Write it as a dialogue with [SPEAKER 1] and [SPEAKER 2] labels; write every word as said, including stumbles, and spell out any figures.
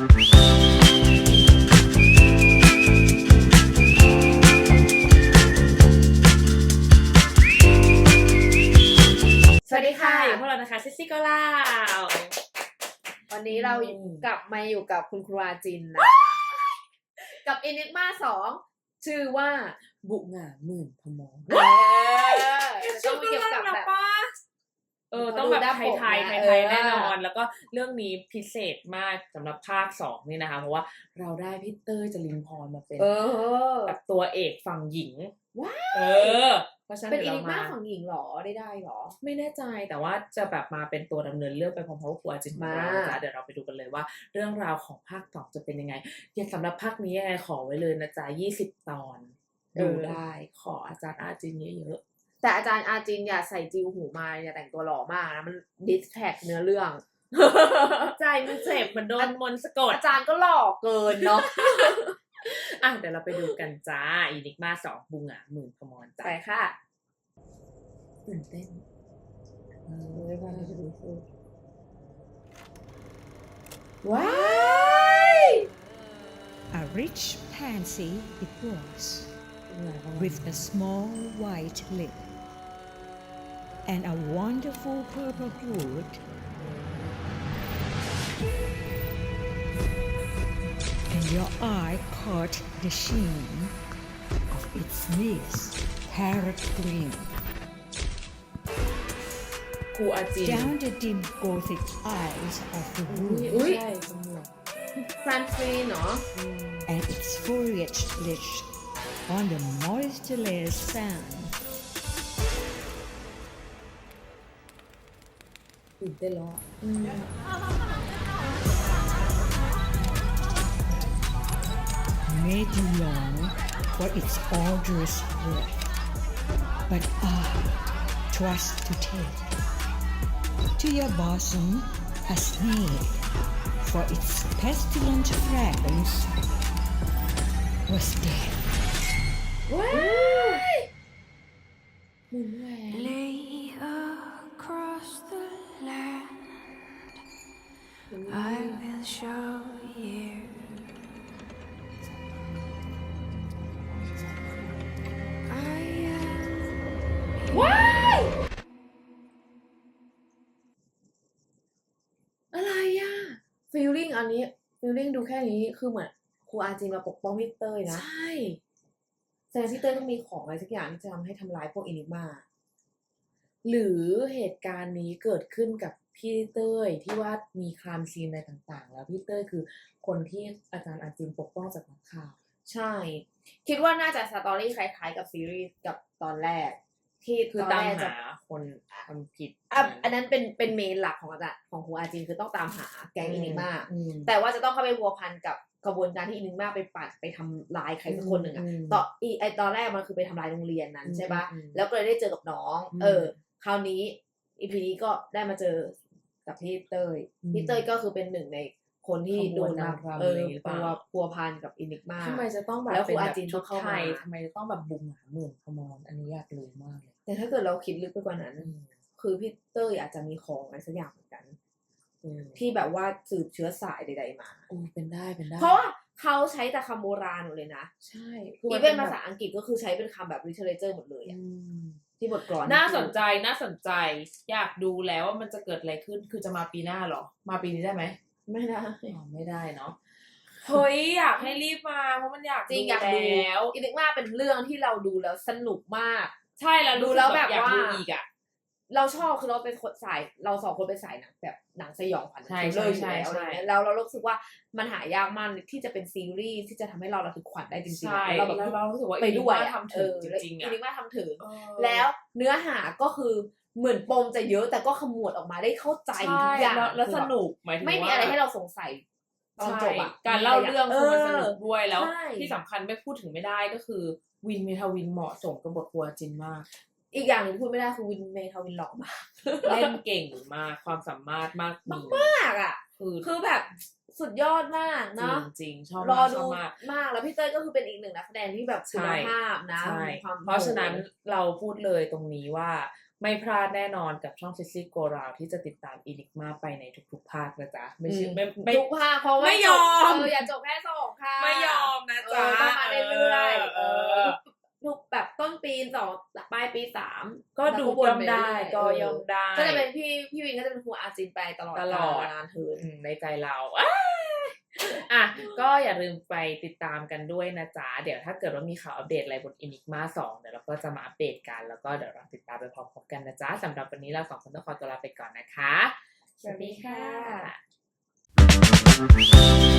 [SPEAKER 1] สวัสดีค่ะ
[SPEAKER 2] อยู่พวกเรานะคะซิซี่ก็ล่า
[SPEAKER 1] วันนี้เรากลับมาอยู่กับคุณครูอาจินนะคะกับ Enigma สองชื่อว่า
[SPEAKER 2] บุกหงาหมื่นพมร
[SPEAKER 1] เออต้องเกี่ยวกับแบบ
[SPEAKER 2] เออต้องแบบไทยไทยไทยไทยแน่นอนแล้วก็เรื่องนี้พิเศษมากสำหรับภาคสองนี่นะคะเพราะว่าเราได้พี่เต้ยจรินพรมาเป็นแบบตัวเอกฝั่งหญิง
[SPEAKER 1] ว้า
[SPEAKER 2] เออเพราะฉะนั้น
[SPEAKER 1] เป็น Enigma ฝั่งหญิงหรอได้ได้หรอ
[SPEAKER 2] ไม่แน่ใจแต่ว่าจะแบบมาเป็นตัวดำเนินเรื่องไปพร้อมๆกับครูอาจินมาจ้ะเดี๋ยวเราไปดูกันเลยว่าเรื่องราวของภาคสองจะเป็นยังไงอย่างสำหรับภาคนี้ยังไงขอไว้เลยนะจ๊ะยี่สิบตอนดูได้ขออาจารย์อาจินเยอะ
[SPEAKER 1] แต่อาจารย์อาจินอย่าใส่จิวหูมาอย่าแต่งตัวหล่อมากนะมันดิสแท็กเนื้อเรื่อง
[SPEAKER 2] ใจมันเจ็บมันโดนมนสะกด
[SPEAKER 1] อาจารย์ก็หล่อเกินเนาะ
[SPEAKER 2] อ่ะเดี๋ยวเราไปดูกันจ้าอีนิกมาสองบุงอ่ะหมื่นพมรจ้า
[SPEAKER 1] ไปค่ะ
[SPEAKER 2] ตื่นเต้นเออไม่ว่าจะดูสิ
[SPEAKER 1] ว้าย
[SPEAKER 3] A rich pansy it was, with a small white lip and a wonderful purple hood, and your eye caught the sheen of its leaves, parrot green.
[SPEAKER 2] ครูอาจิน
[SPEAKER 3] Down the dim gothic aisles of the
[SPEAKER 2] อุ้ย
[SPEAKER 3] wood,
[SPEAKER 2] ใช่สมุด
[SPEAKER 1] แฟนซีเนาะ
[SPEAKER 3] and its foliage glitched on the moistureless sand.
[SPEAKER 2] ตื่นเต้นแล้วอ่ะ
[SPEAKER 3] Made you long for its arduous breath, but I trust to take to your bosom a snake, for its pestilent fragrance was dead.
[SPEAKER 1] ว้ายหมุนแหวน
[SPEAKER 4] Lay across the land, I will show you. I am
[SPEAKER 1] ว้ายอะไรอ่ะฟีลลิ่งอันนี้ฟีลลิ่งดูแค่นี้คือเหมือนครูอาจินมาปกป้องพี่เต้ยนะ
[SPEAKER 2] ใช่
[SPEAKER 1] แสดงพี่เต้ยต้องมีของอะไรสักอย่างที่จะทำให้ทำร้ายพวกอินิกมา
[SPEAKER 2] หรือเหตุการณ์นี้เกิดขึ้นกับพี่เต้ยที่ว่ามีครามซีนอะไรต่างๆแล้วพี่เต้ยคือคนที่อาจารย์อาจินปกป้องจากนักข่าว
[SPEAKER 1] ใช่คิดว่าน่าจะสตอรี่คล้ายๆกับซีรีส์กับตอนแรกที่
[SPEAKER 2] คือตามหาคนทำผิด
[SPEAKER 1] อ่ะอันนั้นเป็นเป็นเมนหลักของอาจารย์ของครูอาจินคือต้องตามหาแก๊งอินิกมาแต่ว่าจะต้องเข้าไปพัวพันกับกระบวนการที่อินิกมาไปปัดไปทำลายใครสักคนหนึ่งอ่ะตอนอีไอตอนแรกมันคือไปทำลายโรงเรียนนั้นใช่ปะแล้วก็เลยได้เจอกับน้องเออคราวนี้อีพีนี้ก็ได้มาเจอกับพี่เต้ยพี่เต้ยก็คือเป็นหนึ่งในคนที่โดนนำเออตัวพัวพันกับอินิกมา
[SPEAKER 2] ทำไมจะต้องแบบ
[SPEAKER 1] แล้วครูอาจิน
[SPEAKER 2] ชุ
[SPEAKER 1] ต้อ
[SPEAKER 2] ด
[SPEAKER 1] งเข้า
[SPEAKER 2] ไท
[SPEAKER 1] มาย
[SPEAKER 2] ทำไมจะต้องแบบบุงหาหมื่นพมรอันนี้อยากรู้มากเลย
[SPEAKER 1] แต่ถ้าเกิดเราคิดลึกไปกว่านั้นคือพี่เต้ยอาจจะมีของอะไรสักอย่างเหมือนกันที่แบบว่าสืบเชื้อสายใดๆมา
[SPEAKER 2] โอ้เป็นได้เป็นได้
[SPEAKER 1] เพราะว่าเขาใช้แต่คำโบราณหมดเลยนะ
[SPEAKER 2] ใช่
[SPEAKER 1] อีเวนภาษาอังกฤษก็คือใช้เป็นคำแบบ literature หมดเลยที่บทกลอน
[SPEAKER 2] น่าสนใจน่าสนใจอยากดูแล้วว่ามันจะเกิดอะไรขึ้นคือจะมาปีหน้าหรอมาปีนี้ได้ไหม
[SPEAKER 1] ไม่ได้
[SPEAKER 2] ไม่ได้เนาะเฮ้ยอยากให้รีบมาเพราะมันอยาก
[SPEAKER 1] จริงอยากดูแล้วอีกมากเป็นเรื่องที่เราดูแล้วสนุกมาก
[SPEAKER 2] ใช่แล้วดูแล้วแบบว่าอีกอ่ะ
[SPEAKER 1] เราชอบคือเราเป็นคนสายเราสองคนเป็นสายหนังแบบหนังสยองขวัญเลยใช่ใช่แล้วเรารู้สึกว่ามันหายากมากที่จะเป็นซีรีส์ที่จะทำให้เราระทึกขวัญได้จริงๆเราแบบ
[SPEAKER 2] เรารู้สึกว่า
[SPEAKER 1] ไปด้วย
[SPEAKER 2] ทำถึงจริงๆอ่ะ
[SPEAKER 1] อีนิกมาทำถึงแล้วเนื้อหาก็คือเหมือนปมจะเยอะแต่ก็ขมวดออกมาได้เข้าใจทุกอย่าง
[SPEAKER 2] แล้วสนุกหมายถึงว่า
[SPEAKER 1] ไม่มีอะไรให้เราสงสัยตอนจบอ่ะ
[SPEAKER 2] การเล่าเรื่องคือมันสนุกด้วยแล้วที่สำคัญไม่พูดถึงไม่ได้ก็คือวินเมทาวินเหมาะสมกับบทครูอาจินมาก
[SPEAKER 1] อีกอย่างหนึ่งพูดไม่ได้คือวินเมทาวินหล่อมาก
[SPEAKER 2] เล่นเก่งมากความสามารถมาก
[SPEAKER 1] มากอ่ะคือคือแบบสุดยอดมากเนาะ
[SPEAKER 2] จริงๆชอบ
[SPEAKER 1] รอดูมากแล้วพี่เต้ยก็คือเป็นอีกหนึ่งนักแสดงที่แบบคุณภาพนะ
[SPEAKER 2] เพราะฉะนั้นเราพูดเลยตรงนี้ว่าไม่พลาดแน่นอนกับช่อง Sissy Go Round ที่จะติดตาม Enigma ไปในทุกๆภาคนะจ๊ะไม่ใช่ไม่ไม่
[SPEAKER 1] ทุกภาคเพราะว่า
[SPEAKER 2] ไม่ยอม
[SPEAKER 1] เอออย่าจบแค่สองค่ะ
[SPEAKER 2] ไม่ยอมนะจ๊ะ
[SPEAKER 1] เออต้องมาเรื่อยๆ
[SPEAKER 2] เอ
[SPEAKER 1] เอ
[SPEAKER 2] อ
[SPEAKER 1] อทุกแบบต้นปีสองปลายปีสาม
[SPEAKER 2] ก็ดู
[SPEAKER 1] แล้ววน
[SPEAKER 2] ย่อม
[SPEAKER 1] ป
[SPEAKER 2] ได้
[SPEAKER 1] เรื่ยๆ
[SPEAKER 2] ก็ย่อมได้
[SPEAKER 1] ก็จะเป็นพี่พี่วินก็จะเป็นครูอาจินไปตลอด
[SPEAKER 2] ตลอด
[SPEAKER 1] กาลนานเทิน
[SPEAKER 2] อืมในใจเราอ้ายอ่ะก็อย่าลืมไปติดตามกันด้วยนะจ๊ะเดี๋ยวถ้าเกิดว่ามีข่าวอัปเดตอะไรบน Enigma สองเดี๋ยวเราก็จะมาอัปเดตกันแล้วก็เดี๋ยวเราติดตามไปพร้อมๆกันนะจ๊ะสำหรับวันนี้เราสองคนต้องขอตัวลาไปก่อนนะคะสวัสดีค่ะ